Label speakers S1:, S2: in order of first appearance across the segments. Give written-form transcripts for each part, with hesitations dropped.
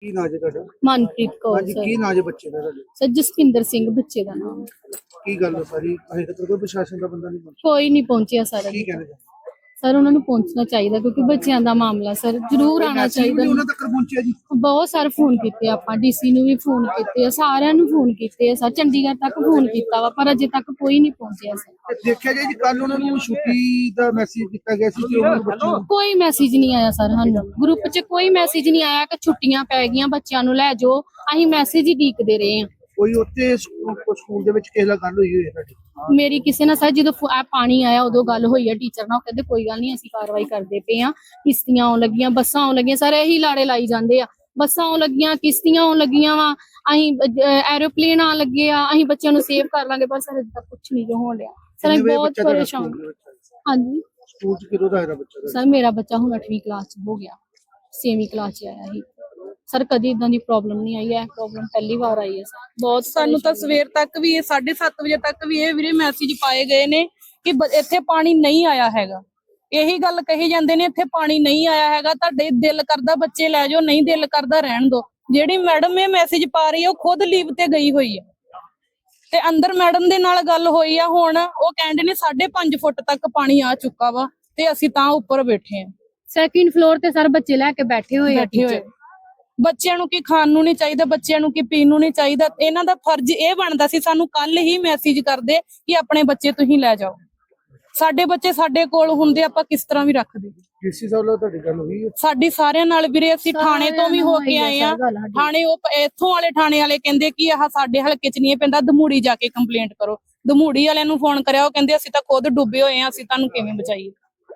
S1: ਕੀ ਨਾਂ ਜੀ ਤੁਹਾਡਾ?
S2: ਮਨਪ੍ਰੀਤ ਕੌਰ
S1: ਹਾਂਜੀ, ਕੀ ਨਾਂ ਜੀ ਬੱਚੇ ਦਾ ਤੁਹਾਡੇ?
S2: ਸਰ ਜਸਪਿੰਦਰ ਸਿੰਘ ਬੱਚੇ ਦਾ ਨਾਮ।
S1: ਕੀ ਗੱਲ ਹੈ ਸਾਰੀ? ਅਜੇ ਤੱਕ ਕੋਈ ਪ੍ਰਸ਼ਾਸਨ ਦਾ ਬੰਦਾ ਨਹੀਂ ਪਹੁੰਚਿਆ।
S2: ਕੋਈ ਨਹੀਂ ਪਹੁੰਚਿਆ ਸਰ।
S1: ਕੀ ਕਹਿੰਦੇ?
S2: ਸਰ ਉਹਨਾਂ ਨੂੰ ਪਹੁੰਚਣਾ ਚਾਹੀਦਾ ਕਿਉਂਕਿ ਬੱਚਿਆਂ ਦਾ ਮਾਮਲਾ ਸਰ ਜ਼ਰੂਰ ਆਣਾ ਚਾਹੀਦਾ।
S1: ਉਹਨਾਂ ਤੱਕ ਪਹੁੰਚਿਆ ਜੀ?
S2: ਬਹੁਤ ਸਾਰੇ ਫੋਨ ਕੀਤੇ ਆਪਾਂ, ਡੀਸੀ ਨੂੰ ਵੀ ਫੋਨ ਕੀਤੇ ਆ, ਸਾਰਿਆਂ ਨੂੰ ਫੋਨ ਕੀਤੇ ਆ ਸਰ, ਚੰਡੀਗੜ੍ਹ ਤੱਕ ਫੋਨ ਕੀਤਾ ਵਾ ਪਰ ਅਜੇ ਤੱਕ ਕੋਈ ਨਹੀਂ ਪਹੁੰਚਿਆ ਸਰ।
S1: ਤੇ ਦੇਖਿਆ ਜੀ ਕੱਲ ਉਹਨਾਂ ਨੂੰ ਛੁੱਟੀ ਦਾ ਮੈਸੇਜ ਕੀਤਾ ਗਿਆ ਸੀ ਕਿ ਉਹਨਾਂ ਨੂੰ ਬੱਚਿਆਂ ਨੂੰ
S2: ਕੋਈ ਮੈਸੇਜ ਨਹੀਂ ਆਇਆ ਸਰ, ਸਾਨੂੰ ਗਰੁੱਪ 'ਚ ਕੋਈ ਮੈਸੇਜ ਨਹੀਂ ਆਇਆ ਕਿ ਛੁੱਟੀਆਂ ਪੈ ਗਈਆਂ ਬੱਚਿਆਂ ਨੂੰ ਲੈ ਜਾਓ। ਅਸੀਂ ਮੈਸੇਜ ਹੀ ਉਡੀਕਦੇ ਰਹੇ ਹਾਂ।
S1: ਕੋਈ ਉੱਥੇ ਸਕੂਲ ਦੇ ਵਿੱਚ ਕਿਸੇ ਨਾਲ ਗੱਲ ਹੋਈ ਹੋਈ ਹੈ ਤੁਹਾਡੀ?
S2: ਮੇਰੀ ਕਿਸੇ ਨਾਲ ਸਰ ਜਦੋਂ ਪਾਣੀ ਆਇਆ ਉਦੋਂ ਗੱਲ ਹੋਈ ਹੈ ਟੀਚਰ ਨਾਲ, ਉਹ ਕਹਿੰਦੇ ਕੋਈ ਗੱਲ ਨਹੀਂ ਅਸੀਂ ਕਾਰਵਾਈ ਕਰਦੇ ਪਏ ਆ, ਕਿਸ਼ਤੀਆਂ ਆਉਣ ਲੱਗੀਆਂ, ਬੱਸਾਂ ਆਉਣ ਲੱਗੀਆਂ, ਸਰ ਇਹੀ ਲਾੜੇ ਲਾਈ ਜਾਂਦੇ ਆ, ਬੱਸਾਂ ਆਉਣ ਲੱਗੀਆਂ, ਕਿਸ਼ਤੀਆਂ ਆਉਣ ਲੱਗੀਆਂ ਵਾ, ਅਸੀਂ ਐਰੋਪਲੇਨ ਆਉਣ ਲੱਗੇ ਆ, ਅਸੀਂ ਬੱਚਿਆਂ ਨੂੰ ਸੇਵ ਕਰ ਲਾਂਗੇ, ਪਰ ਸਰ ਅਜੇ ਤੱਕ ਕੁਛ ਨਹੀਂ ਜੋ ਹੋਣ ਡਿਆ ਸਰ। ਅਸੀਂ ਬਹੁਤ ਪਰੇਸ਼ਾਨ। ਹਾਂਜੀ
S1: ਸਕੂਲ ਚ ਕਿਹੜਾ ਦਾ ਬੱਚਾ?
S2: ਸਰ ਮੇਰਾ ਬੱਚਾ ਹੁਣ 8ਵੀਂ ਕਲਾਸ ਚ ਹੋ ਗਿਆ, 6ਵੀਂ ਕਲਾਸ ਚ ਆਇਆ ਸੀ ਸਰ। ਕਦੀ ਇਦਾਂ ਦੀ ਪ੍ਰੋਬਲਮ ਨਹੀਂ ਆਈ ਹੈ, ਪ੍ਰੋਬਲਮ ਪਹਿਲੀ ਵਾਰ ਆਈ ਹੈ ਸਰ। ਬਹੁਤ
S3: ਸਾਨੂੰ ਤਾਂ ਸਵੇਰ ਤੱਕ ਵੀ 7:30 ਵਜੇ ਤੱਕ ਵੀ ਇਹ ਵੀਰੇ ਮੈਸੇਜ ਪਾਏ ਗਏ ਨੇ ਕਿ ਇੱਥੇ ਪਾਣੀ ਨਹੀਂ ਆਇਆ ਹੈਗਾ। ਇਹੀ ਗੱਲ ਕਹੀ ਜਾਂਦੇ ਨੇ ਇੱਥੇ ਪਾਣੀ ਨਹੀਂ ਆਇਆ ਹੈਗਾ, ਤੁਹਾਡੇ ਦਿਲ ਕਰਦਾ ਬੱਚੇ ਲੈ ਜਾਓ, ਨਹੀਂ ਦਿਲ ਕਰਦਾ ਰਹਿਣ ਦਿਓ। ਜਿਹੜੀ ਮੈਡਮ ਇਹ ਮੈਸੇਜ ਪਾ ਰਹੀ ਹੈ ਉਹ ਖੁਦ ਲੀਵ ਤੇ ਗਈ ਹੋਈ ਹੈ ਤੇ ਅੰਦਰ ਮੈਡਮ ਦੇ ਨਾਲ ਗੱਲ ਹੋਈ ਆ। ਹੁਣ ਉਹ ਕਹਿੰਦੇ ਨੇ 5.5 ਫੁੱਟ ਤੱਕ ਪਾਣੀ ਆ ਚੁੱਕਾ ਵਾ ਤੇ ਅਸੀਂ ਤਾਂ ਉੱਪਰ ਬੈਠੇ ਆ,
S2: ਸੈਕਿੰਡ ਫਲੋਰ ਤੇ ਸਰ ਬੱਚੇ ਲੈ ਕੇ ਬੈਠੇ ਹੋਏ ਆ।
S3: ਬੱਚਿਆਂ ਨੂੰ ਕੀ ਖਾਣ ਨੂੰ ਨਹੀਂ ਚਾਹੀਦਾ, ਬੱਚਿਆਂ ਨੂੰ ਕੀ ਪੀਣ ਨੂੰ ਨਹੀਂ ਚਾਹੀਦਾ। ਇਹਨਾਂ ਦਾ ਫਰਜ਼ ਇਹ ਬਣਦਾ ਸੀ ਸਾਨੂੰ ਕੱਲ ਹੀ ਮੈਸੇਜ ਕਰਦੇ ਕਿ ਆਪਣੇ ਬੱਚੇ ਤੁਸੀਂ ਲੈ ਜਾਓ। ਸਾਡੇ ਬੱਚੇ ਸਾਡੇ ਕੋਲ ਹੁੰਦੇ ਆਪਾਂ ਕਿਸ ਤਰ੍ਹਾਂ ਵੀ ਰੱਖਦੇ।
S1: ਡੀਸੀ ਸਾਹਿਬ ਨਾਲ ਤੁਹਾਡੀ ਗੱਲ ਹੋਈ ਹੈ?
S3: ਸਾਡੀ ਸਾਰਿਆਂ ਨਾਲ ਵੀਰੇ, ਅਸੀਂ ਥਾਣੇ ਤੋਂ ਵੀ ਹੋ ਕੇ ਆਏ ਆ। ਥਾਣੇ ਉਹ ਇੱਥੋਂ ਵਾਲੇ ਥਾਣੇ ਵਾਲੇ ਕਹਿੰਦੇ ਕਿ ਆਹ ਸਾਡੇ ਹਲਕੇ ਚ ਨਹੀਂ ਪੈਂਦਾ, ਦਮੂੜੀ ਜਾ ਕੇ ਕੰਪਲੇਂਟ ਕਰੋ। ਦਮੂੜੀ ਵਾਲਿਆਂ ਨੂੰ ਫੋਨ ਕਰਿਆ, ਉਹ ਕਹਿੰਦੇ ਅਸੀਂ ਤਾਂ ਖੁਦ ਡੁੱਬੇ ਹੋਏ ਆ, ਅਸੀਂ ਤੁਹਾਨੂੰ ਕਿਵੇਂ ਬਚਾਈਏ।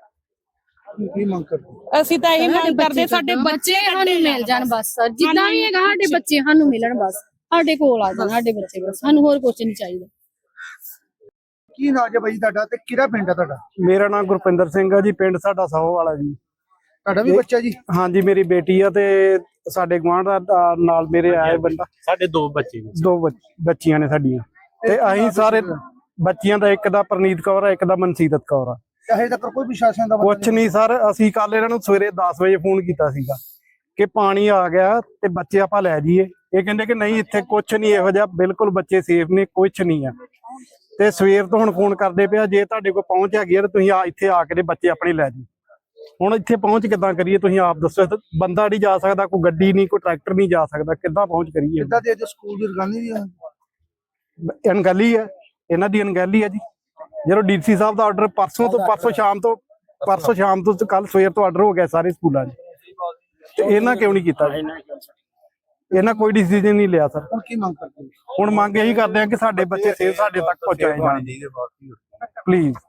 S1: ਕੀ ਮੰਗ ਕਰਦੇ?
S3: ਅਸੀਂ ਤਾਂ ਇਹੀ ਮੰਗ ਕਰਦੇ ਸਾਡੇ
S2: ਬੱਚੇ ਸਾਨੂੰ ਮਿਲ ਜਾਣ ਬਸ ਸਰ, ਜਿੱਦਾਂ ਵੀ ਹੈਗਾ ਸਾਡੇ ਬੱਚੇ ਸਾਨੂੰ ਮਿਲਣ, ਬਸ ਸਾਡੇ ਕੋਲ ਆ ਜਾਣ ਸਾਡੇ ਬੱਚੇ, ਬਸ ਸਾਨੂੰ ਹੋਰ ਕੁਝ ਨਹੀਂ ਚਾਹੀਦਾ।
S1: ਕੀ ਨਾਂ ਜੀ ਬਾਈ ਤੁਹਾਡਾ ਤੇ ਕਿਹੜਾ ਪਿੰਡ ਆ ਤੁਹਾਡਾ?
S4: ਮੇਰਾ ਨਾਮ ਗੁਰਪਿੰਦਰ ਸਿੰਘ ਆ ਜੀ, ਪਿੰਡ ਸਾਡਾ ਸਾਹੋ ਵਾਲਾ ਜੀ।
S1: ਤੁਹਾਡਾ ਵੀ ਬੱਚਾ ਜੀ?
S4: ਹਾਂਜੀ ਮੇਰੀ ਬੇਟੀ ਆ ਤੇ ਸਾਡੇ ਗੁਆਂਢ ਦਾ ਨਾਲ ਮੇਰੇ ਆਏ ਬੰਦਾ।
S5: ਸਾਡੇ ਦੋ ਬੱਚੇ ਨੇ,
S4: ਦੋ ਬੱਚੀਆਂ ਨੇ ਸਾਡੀਆਂ ਤੇ ਅਸੀਂ ਸਾਰੇ ਬੱਚੀਆਂ ਦਾ, ਇੱਕ ਦਾ ਪ੍ਰਨੀਤ ਕੌਰ ਆ, ਇੱਕ ਦਾ ਮਨਸੀਰਤ ਕੌਰ ਆ।
S1: ਹਜੇ ਤੱਕ ਕੋਈ ਪ੍ਰਸ਼ਾਸਨ ਦਾ
S4: ਕੁਛ ਨਹੀਂ ਸਰ, ਅਸੀਂ ਕੱਲ ਇਹਨਾਂ ਨੂੰ ਸਵੇਰੇ 10 ਵਜੇ ਫੋਨ ਕੀਤਾ ਸੀਗਾ ਕਿ ਪਾਣੀ ਆ ਗਿਆ ਤੇ ਬੱਚੇ ਆਪਾਂ ਲੈ ਜਾਈਏ। ਇਹ ਕਹਿੰਦੇ ਕਿ ਨਹੀਂ ਇੱਥੇ ਕੁਛ ਨਹੀਂ ਇਹੋ ਜਿਹਾ, ਬਿਲਕੁਲ ਬੱਚੇ ਸੇਫ ਨੇ, ਕੁਛ ਨਹੀਂ ਆ। ਤੇ ਸਵੇਰ ਤੋਂ ਹੁਣ ਫੋਨ ਕਰਦੇ ਪਿਆ, ਜੇ ਤੁਹਾਡੇ ਕੋਲ ਪਹੁੰਚ ਹੈਗੀ ਆ ਤੇ ਤੁਸੀਂ ਇੱਥੇ ਆ ਕੇ ਬੱਚੇ ਆਪਣੇ ਲੈ ਜਾਓ। ਹੁਣ ਇੱਥੇ ਪਹੁੰਚ ਕਿੱਦਾਂ ਕਰੀਏ ਤੁਸੀਂ ਆਪ ਦੱਸੋ? ਬੰਦਾ ਨਹੀਂ ਜਾ ਸਕਦਾ, ਕੋਈ ਗੱਡੀ ਨਹੀਂ, ਕੋਈ ਟਰੈਕਟਰ ਨਹੀਂ ਜਾ ਸਕਦਾ, ਕਿੱਦਾਂ ਪਹੁੰਚ ਕਰੀਏ?
S1: ਕਿੱਦਾਂ ਦੇ ਸਕੂਲ ਦੀ ਰਗਾਨੀ ਵੀ ਆ?
S4: ਅਣਗਹਿਲੀ ਹੈ, ਇਹਨਾਂ ਦੀ ਅਣਗਹਿਲੀ ਹੈ ਜੀ। ਜਦੋਂ ਡੀਸੀ ਸਾਹਿਬ ਦਾ ਆਰਡਰ ਪਰਸੋਂ ਸ਼ਾਮ ਤੋਂ ਕੱਲ ਸਵੇਰ ਤੋਂ ਆਰਡਰ ਹੋ ਗਿਆ ਸਾਰੇ ਸਕੂਲਾਂ 'ਚ, ਤੇ ਇਹਨਾਂ ਕਿਉਂ ਨਹੀਂ ਕੀਤਾ? ਇਹਨਾਂ ਕੋਈ ਡਿਸੀਜਨ ਨਹੀਂ ਲਿਆ ਸਰ।
S1: ਹੁਣ ਕੀ ਮੰਗ ਕਰਦੇ?
S4: ਹੁਣ ਮੰਗ ਇਹੀ ਕਰਦੇ ਆ ਕਿ ਸਾਡੇ ਬੱਚੇ ਸੇਫ ਸਾਡੇ ਤੱਕ ਪਹੁੰਚਾਏ ਜਾਣ ਪਲੀਜ਼।